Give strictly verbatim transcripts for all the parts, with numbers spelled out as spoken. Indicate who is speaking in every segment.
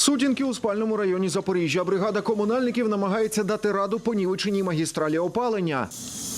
Speaker 1: Сутінки у спальному районі Запоріжжя. Бригада комунальників намагається дати раду понівеченій магістралі опалення.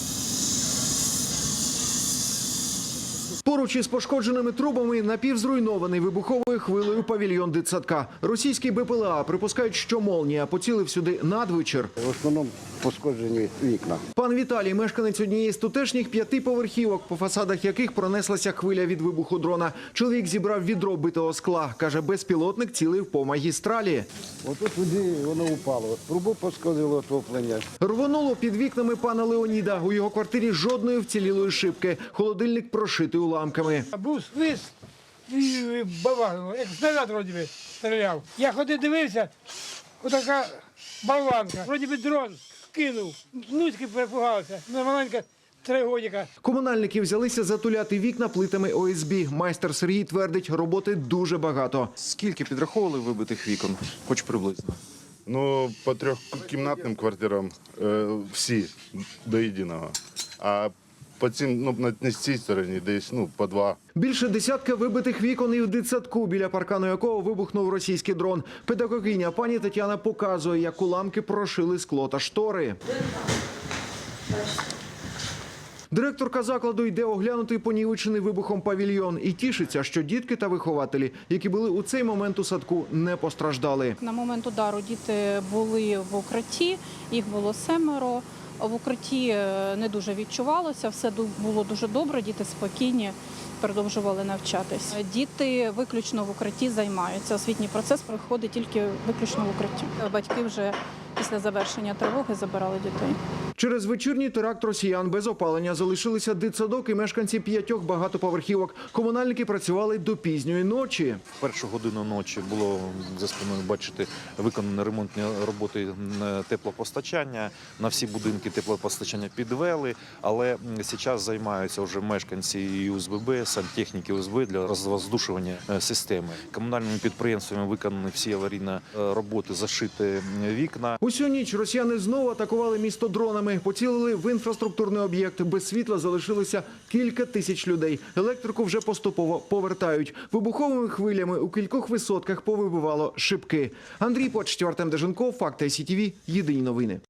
Speaker 1: Поруч із пошкодженими трубами напівзруйнований вибуховою хвилею павільйон дитсадка. Російський Б П Л А припускають, що молнія поцілив сюди надвечір.
Speaker 2: В основному пошкоджені вікна.
Speaker 1: Пан Віталій – мешканець однієї з тутешніх п'ятиповерхівок, по фасадах яких пронеслася хвиля від вибуху дрона. Чоловік зібрав відро битого скла. Каже, безпілотник цілив по магістралі.
Speaker 2: Отут туди воно упало. Трубу пошкодило отоплення.
Speaker 1: Рвонуло під вікнами пана Леоніда. У його квартирі жодної вцілілої шибки. Холодильник прошитий уламками.
Speaker 3: Був свист і бабахнуло, як снаряд вроді би стріляв. Я ходив, дивився, отака болванка. Вроді би дрон кинув. Внуцьки перепугалися. Ну, маленька три годика.
Speaker 1: Комунальники взялися затуляти вікна плитами О С Б. Майстер Сергій твердить, роботи дуже багато.
Speaker 4: Скільки підраховували вибитих вікон? Хоч приблизно.
Speaker 5: Ну, по трьохкімнатним квартирам е, всі до єдиного. А по цим, ну, на, на цій стороні десь, ну, по два.
Speaker 1: Більше десятка вибитих вікон і в дитсадку, біля паркану якого вибухнув російський дрон. Педагогиня пані Тетяна показує, як уламки прошили скло та штори. Директорка закладу йде оглянути понівечений вибухом павільйон і тішиться, що дітки та вихователі, які були у цей момент у садку, не постраждали.
Speaker 6: На момент удару діти були в укритті, їх було семеро. В укритті не дуже відчувалося, все було дуже добре, діти спокійні, продовжували навчатись. Діти виключно в укритті займаються, освітній процес проходить тільки виключно в укритті. Батьки вже після завершення тривоги забирали дітей.
Speaker 1: Через вечірній теракт росіян без опалення залишилися дитсадок і мешканці п'ятьох багатоповерхівок. Комунальники працювали до пізньої ночі.
Speaker 4: В першу годину ночі було за спиною, бачити, виконані ремонтні роботи на теплопостачання. На всі будинки теплопостачання підвели, але зараз займаються вже мешканці і У С Б Б, сантехніки У С Б для розвоздушування системи. Комунальними підприємствами виконані всі аварійні роботи, зашиті вікна.
Speaker 1: Усю ніч росіяни знову атакували місто дронами. Поцілили в інфраструктурний об'єкт. Без світла залишилося кілька тисяч людей. Електрику вже поступово повертають. Вибуховими хвилями у кількох висотках повибивало шибки. Андрій Почтів, Артем Деженков, Факти Сі Ті Ві. Єдині новини.